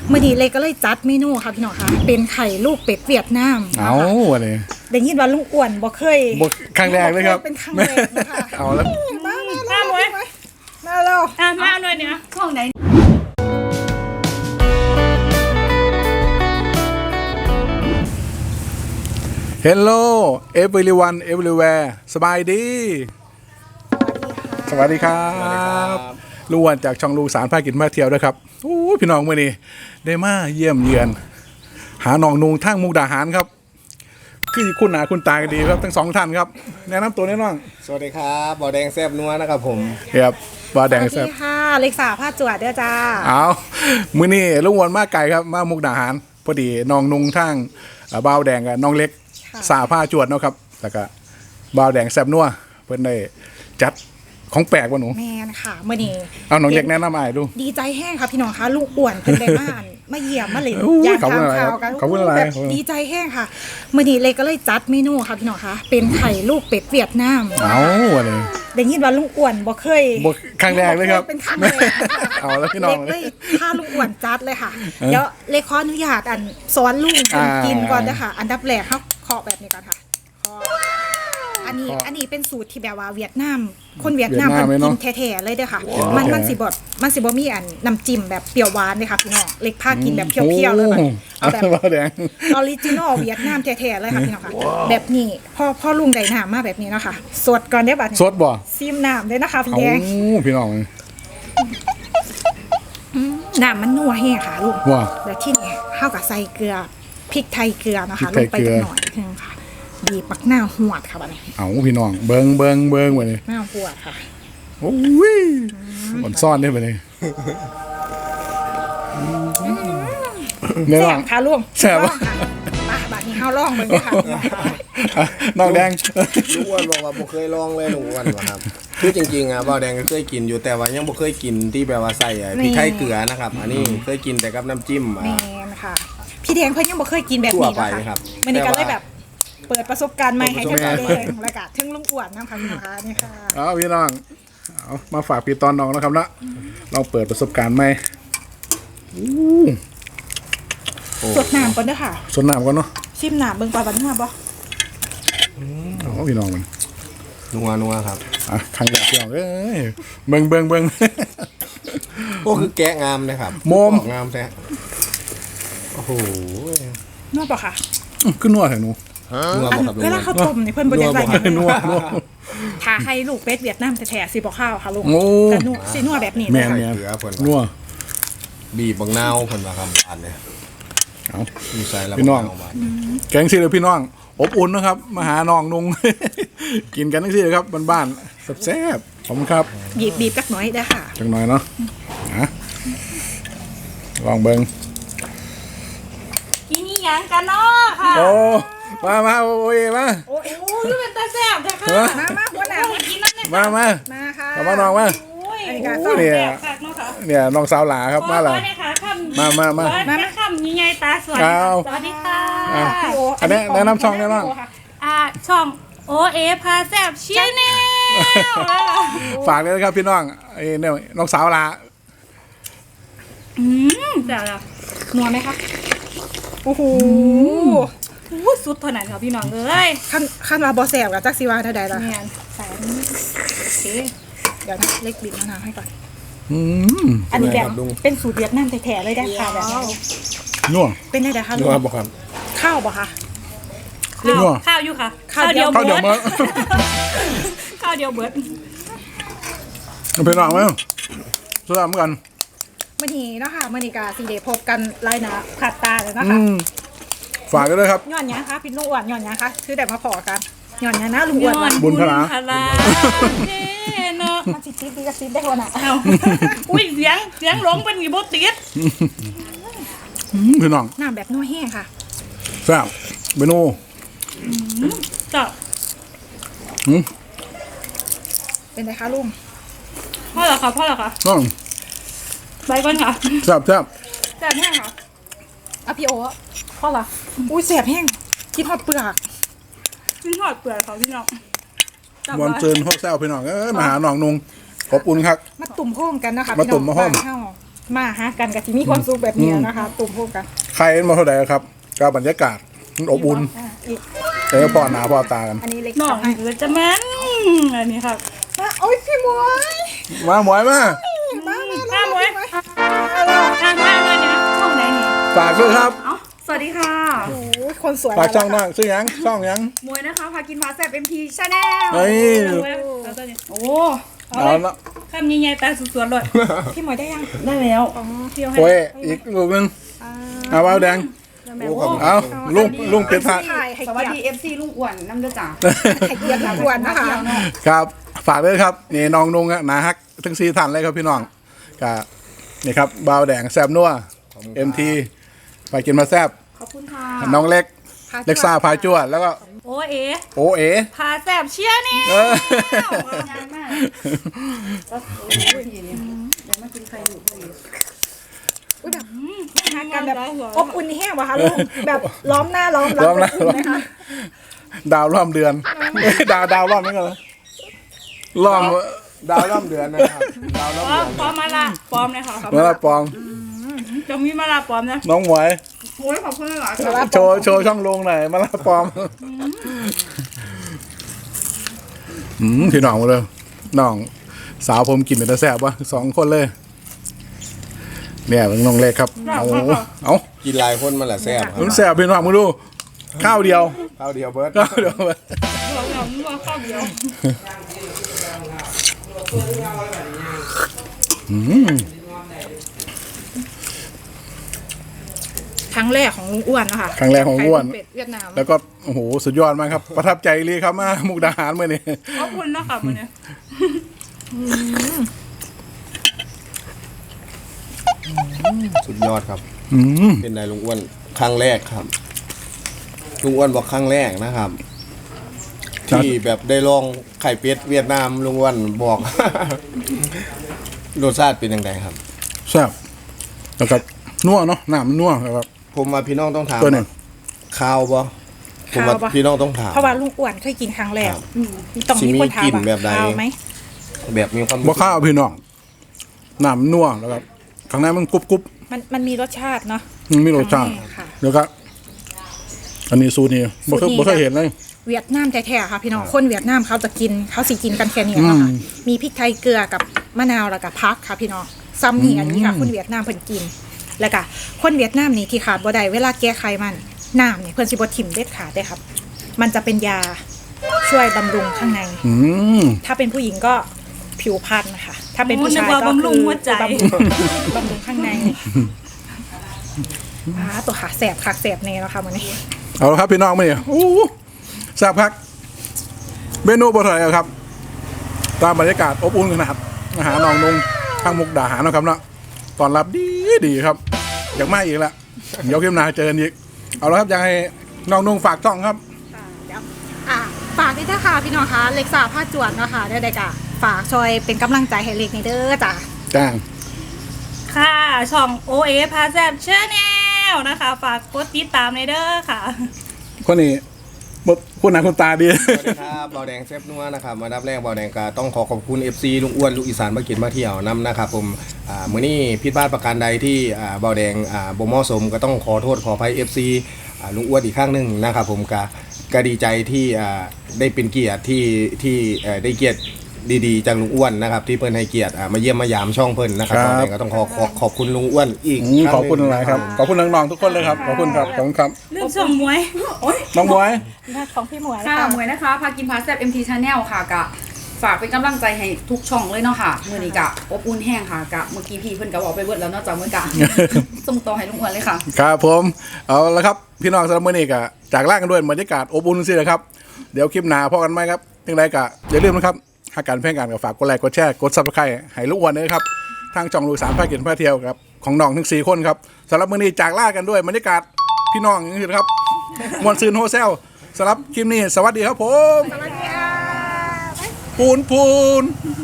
มื่อนี้เลยก็เลยจัดเมนูค่ะพี่น้องค่ะเป็นไข่ลูกเป็ดเวียดนามเอาอะไรได้ยินว่าลุงอ้วนบ่เคยครั้งแรกเลยครับเป็นครั้งแรกนะคะเอาแล้วมามาเลยมาแล้วมาหน่อยเนี่ยห้องไหนเฮลโลeveryone everywhere สบายดีสวัสดีครับลุงวันจากช่องลูกสารพากินมาเที่ยวด้วยครับโอ้พี่น้องมื่อนี้ได้มาเยี่ยมเยือนหาหนองนุงทั้งมุกดาหารครับคือคุณหนาคุณตากันดีครับทั้งสองท่านครับแนะนำตัวแน่นอนสวัสดีครับบ่อแดงแซ่บนัวนะครับผมครับว่าแดงสแซ่วับสดีค่ะเล็กสาวผ้าจวดเด้อจ้าเอามื้อนี้ลุงวันมาไก่ครับมามุกดาหารพอดีน้องนุงทั้งบ่าวแดงกับน้องเล็กสาผ้าจวดเนาะครับแล้วก็บ่าวแดงแซ่บนัวเพิ่นได้จัดของแปลกวะหนูแมนค่ะมื่อนี้เอาน้องเล็กแนะนำอ้ายดูดีใจแห้งค่ะพี่น้องคะลุงอ้วนเป็นได้บ้านมาเยี่ยมมาเลยโอ้ยอยากขอบคุณทำอะไรข่าวกันขอบคุณอะไรแบบดีใจแห้งค่ะมื่อนี้เลยก็เลยจัดเมนูค่ะพี่น้องคะเป็นไข่ลูกเป็ดเวียดนามเอาอะไรได้ยินว่าลุงอ้วนบ่เคยครั้งแรกเลยครับเป็นครั้งแรกเอาแล้วพี่น้องเล็กเลยพาลุงอ้วนจัดเลยค่ะเดี๋ยวเล็กขออนุญาตสอนลุงกินก่อนนะคะอันดับแรกเขาเคาะแบบนี้ก่อนค่ะเคาะอันนี้เป็นสูตรที่แบบว่าเวียดนามคนเวียดนามมันกินแท้ๆเลยเด้อค่ะมันสิบ่มีอันน้ำจิ้มแบบเปรี้ยวหวานเลยค่ะพี่น้องเล็กพากินแบบเพียวๆเลยแบบเอาแบบบ่าวแดงออริจินอลเวียดนามแท้ๆเลยค่ะพี่น้องค่ะแบบนี้พ่อลุงได้น้ำมาแบบนี้เนาะค่ะสดก่อนได้อบัดนี้สดบ่ซิมน้ำเลยนะคะพี่เอาแดงพี่น้องน้ำมันนัวแห้งค่ะลูกว่าแล้วที่นี่ข้าวกับใส่เกลือพริกไทยเกลือนะคะพริลกงไทไปยเกลืจัอกหน่อยนึงค่ะบีบปักหน้าหวดค่ะบัดนี้เอาพี่น้องเบิ่งไปเลยหน้าหวดค่ะโอ้ยมันซ่อนได้ไปเลยเนี่ยแซ่น้อบ งค่ะลุงแซ่บลองค่ะมาบัดนี้ข้าวล่องเบิ่งเลยค่ะน้องแดงลุงอ้วนบอกว่าบ่เคยลองเลยลุงอ้วนว่ะครับคือจริงๆอ่ะบ่อแดงก็เคยกินอยู่แต่ว่ายังบ่เคยกินที่แบบว่าใส่พริกไทยเกลือนะครับอันนี้เคยกินแต่กับน้ำจิ้มแมนค่ะ พี่แดงเพิ่นยังบ่เคยกินแบบนี้ทั่วไปนะครัคะบวันนี้ก็เลยแบบเปิดประสบการณ์ใหม่ให้ทั้งเปิดประสบพี่การณ์แดงและก็ทั้งลุงอ้วนนะคะพี่น้องคะนี่ค่ะเอาพี่น้องเอามาฝากพี่ตอนน้องนะครับเนาะลองเปิดประสบการณ์ใหม่สดน้ำก่อนเด้อค่ะสดน้ำก่อนเนาะชิมน้ำเบิ่งปลาบันหัวบ่เอาพี่น้องมันนัวครับอ่ะครั้งแรกพี่น้องเอ้ยเบิ่งโอ้คือแกะงามนะครับโมมงามแท้โอ้โหนัวบ่ค่ะขึ้นนัวแถวหนูนัวอันบ่ครับลุงเวอ้วลาน เขาต้มนี่เพิ่นบ่ได้ใส่หยังนัวถ้าให้ลูกเป็ดเวียดนามแท้ๆสิบ่ข้าวค่ะลุงโอ้แต่นัวสินัวแบบนี้แม่เลยนเกลือเพิ่นนัวบีบบางนาวเพิ่นว่าคำบานเนี่ยเอามีใส่แล้วพี่น้องบานแกงซีเลยพี่น้องอบอุ่นนะครับมาหาน้องนุง กินกันทั้งที่เลยครับบ้านๆแซ่บๆขอบคุณครับบีบจักหน่อยได้อค่ะจังหน่อยเนาะนะลองเบิ่งกินนี่ยังกันเนาะค่ะโอ้มาโอ้ยมาโอ้ยโอ้ยเป็นตาแซ่บจ้ะค่ะมาหัวหน้ากินนั่นเลยมามาค่ะเอามาน้องมาโอ้ยอันนี้ก็โอ้เนี่ยแซ่บคักเนาะค่ะเนี่ยน้องสาวหลาครับมาเลยขอเลยค่ะคำมามาคำยิ่งใหญ่ตาสวยเอาสวัสดีค่ะอ่ะ อันนี้แนะนำช่องแนะนช่องโอเอพาแซ่บเชียร์แนวฝากเลยนะครับพี่น้องไอ้เนี่ยน้องสาวหลาแซ่บแล้วนัวไหมคะโอ้โหอู้สุดเท่านั้นค่ะพี่น้องเอ้ยขั้นว่าบ่แซ่บกับจักสิว่าเท่าใดล่ะแม่นใส่อันนี้โอเคเดี๋ยวนะเล็กบีบมะนาวให้ก่อนอืมอันนี้แบบเป็นสูตรเวียดนามแท้ๆเลยได้ค่ะแบบนี้นัวเป็นได้คะนัลุวงบ่ครับข้าวบ่คะข้าวนัวข้าวอยู่ค่ะข้าวเดียวข้าวเดี๋ยวมาข้าวเดียวเบิดพี่น้องมั้ยสลับกันมื้อนี้เนาะค่ะมื้อนี้ก็สิได้พบกันหลายหนะขาดตาเลยนะอืคะมฝากกันด้วยครับย้อนหยังคะพี่ลุงอ้วนย้อนหยังคะคือได้มาพอกันย้อนหยังนะลุงอ้วนย้อว่ะนบุญพลาเฮ้เนาะมันสิจิ๊บดีกับจิ๊บได้คนน่ะเอาอุ้ยเสียงหลงเป็นกี่โบติดพี่น้องน้ำแบบนัวแห้งค่ะแซ่บเมนูจ้ะเป็นไงคะลุงพ่อเหรอคะพ่อเหรอคะน้องไปก่อนค่ะแซ่บแสบแห้งค่ะอ่ะพี่โอ้พ่อละอุ้ยแสบแห้งกินฮอดเปลือกพี่ทอดเปลือกเขาพี่น้องจับวันไว้เจินโฮแซวพี่น้องมาหาน้องนุงขอบอุ่นครับมาตุ่มโฮมกันนะคะมาตุ่มมาโฮมพี่น้องบ้นเฮมาหากันกับที่มีความสุขแบบนี้นะคะตุ่มพวกกันใครมาเท่าไหร่ครับก็บรรยากาศมันอบอุ่นอีกเออพ่อหน้าพ่อตากันอันนี้เล็กน้องให้หรือจะแม่นอันนี้ครับโอ้ยพี่หมวยมาหมวยมาข้ามไว้ข้ามมาเลยเนี่ยช่องไหนนี่ฝากด้วยครับสวัสดีค่ะโอ้ยคนสวยฝากช่องนั่งซื้อหยังช่องหยังมวยนะคะ พากินพาแซ่บ MT Channel เฮ้ยเอาตัวนี้โอ้เอาละข้ามใหญ่ๆตาสวยๆเลยพี่หมวยได้ยังได้แล้วอ๋อเที่ยวให้โอ้ยอีกลูกนึงเอาเอาแดงโอ้ขอบคุณเอาลุงเป็นพระถ่ายให้สวัสเกียดีรติ FC ลุงอ้วนน้ำเด้อจ้าให้เกียรติอ้วนนะคะครับฝากด้วยครับนี่น้องนุ่งอะนาฮักทั้ง4ท่านเลยครับพี่น้องก็นี่ครับบาวแดงแซบนัว MT ไปกินมาแซบขอบคุณค่ะน้องเล็กเล็กซ่าพาจวดแล้วก็โอเอโอเอพาแซ่บเชียร์นี่เอองานมากยังไม่กินใครอยู่เลยหากันแบบอบอุ่นแห้งวะคะลุงแบบล้อมหน้าล้อมหลังล้อมหน้าอบอุ่นไหมคะดาวร่อมเดือนดาวร่อมนี่กันเลยร่อมดาวร่ำเดือนนะครับดาวร่ำเดือนปลอมมาละปลอมเลยค่ะเมื่อไรปองจะมีมาละปลอมนะน้องหมวยโอ้ยขอบคุณหลายโชว์ช่องลงหน่อยมาละปอมพี่น้องมาเลยน้องสาวผมกินเป็นตาแซ่บวะ2 คนเลย เนี่ยน้องเล็กครับเอากินหลายคนมันแหละแซ่บครัมันบแซ่บพี่น้องมาดูข้าวเดียวข้าวเดียวเบิร์ดข้าวเดียวเรานัวข้าวเดียวครั้งแรกของลุงอ้วนนะคะครั้งแรกของอ้วนไข่เป็ดเวียดนามแล้วก็โอ้โหสุดยอดมากครับ ประทับใจเลยครับมามุกดาหารเมื่อนี้ขอบคุณนะคะมื้อนี้สุดยอดครับอืมเป็นนายลุงอ้วนครั้งแรกครับลุงอ้วนบอกครั้งแรกนะครับ ที่แบบได้ลองไข่เป็ดเวียดนามลุงอ้วนบอก รสชาติเป็นยังไงครับแซ่บแล้วก็นัวเนาะน้ำมันนัวครับผมว่าพี่น้องต้องถามตัวหนึ่งข้าวบ่ผมว่าข้าวปะพี่น้องต้องถามเพราะว่าลุงอ้วนเคยกินครั้งแรกครับต้องมีคนถามสิมีกลิ่นแบบใดข้าวไหมแบบมีความบ่ข้าวพี่น้องน้ำมันนัวแล้วก็ข้างในมันกรุบมันมีรสชาติเนาะมันมีรสชาติค่ะแล้วก็อันนี้สูตรนี้บ่เคยสูตรนี้บ่เคยเห็นเลยเวียดนามแท้ๆค่ะพี่น้องคนเวียดนามเขาจะกินเขาสิกินกันแค่นี้เนาะค่ะมีพริกไทยเกลือกับมะนาวแล้วก็พักค่ะพี่น้องซัมนี่อันนี้ค่ะคนเวียดนามเพิ่นกิน แล้วก็คนเวียดนามนี่ที่ขาดบ่ได้เวลาแก้ไขมันน้ำเนี่ยเพิ่นสิบ่ถิ่มเด็ดขาดเด้ครับ มันจะเป็นยาช่วยบำรุงข้างในอืมถ้าเป็นผู้หญิงก็ผิวพรรณค่ะ ถ้าเป็นผู้ชายนึกว่าก็บำรุงหัวใจบำรุงข้างในตัวขาแสบขาแสบเน่แล้วค่ะวันนี้เอาละครับพี่น้องมาเนี่ยโอ้โหแซ่บคักเมนูบ่เท่าไหร่ครับ ตามบรรยากาศอบอุ่นขนาดอาหารน้องนุ่งทางมุกดาหารนะครับเนาะตอนรับดีครับ อยากมาอีกละเดี๋ยวเข้มนาเจอกันอีกเอาละครับอยากให้น้องนุ่งฝากช่องครับเดี๋ยวฝากด้วยนะคะพี่น้องคะเล็กสาวผ้าจวนเนาะค่ะได้ๆกะฝากช่วยเป็นกำลังใจให้เล็กในเด้อจ้ะจ้างค่ะช่องโอเอพาแซ่บเชียร์แนวนะคะ ฝากกดติดตามในเด้อค่ะคนนี้บ่คุณหน้าคุณตาดีสวัสดีครับเบาแดงเซฟนัวนะครับมาดับแรกเบาแดงก็ต้องขอบคุณ FC ลุงอ้วนลูกอีสานมากินมาเที่ยวนํนะครับผมมื้อนี้ผิดพลาดประการใดที่เบาแดงบ่เหมาะสมก็ต้องขอโทษขออภัย FC ลุงอ้วนอีกครั้งหนึงนะครับผมก็ดีใจที่ได้เป็นเกียรติที่ได้เกียรติดีๆจากลุงอ้วนนะครับที่เพิ่นให้เกียรติมาเยี่ยมมายามช่องเพิ่นนะครับครับเบาแดงก็ต้องขอบคุณลุงอ้วนอีกขอบคุณหลายครับขอบคุณน้องๆทุกคนเลยครับขอบคุณครับขอบคุณครับเรื่องช่องมวยน้องบวยของพี่หมวยค่ะมวยนะคะ พากินพาแซ่บ MT Channel ค่ะกะฝากเป็นกำลังใจให้ทุกช่องเลยเนาะค่ะมื้อนี้กะอบอุ่นแห้งค่ะกะเมื่อกี้พี่เพิ่นก็บอกไปเบิดแล้วเนาะจากเมื่อกะ ส่งต่อให้ลุงอ้วนเลยค่ะครับผมเอาละครับพี่น้องสำหรับมื้อนี้ก็จากลากันด้วยบรรยากาศอบอุ่นสินะครับเดี๋ยวคลิปหน้าพอกันไหมครับยังไงก็อย่าลืมนะครับหากการเพ่งการก็ฝากกดไลค์กดแชร์กด Subscribe ให้ลูกอ้วนด้วยครับทางช่องลูกสามภาคกินพาเที่ยวครับของน้องทั้ง4คนครับสำหรับมื้อนี้จากลากันด้วยบรรยากาศพี่น้องอย่างนี้นะครับมวนซืนโฮเซลสำหรับคลิปนี้สวัสดีครับผมสวัสดีค่ะปูน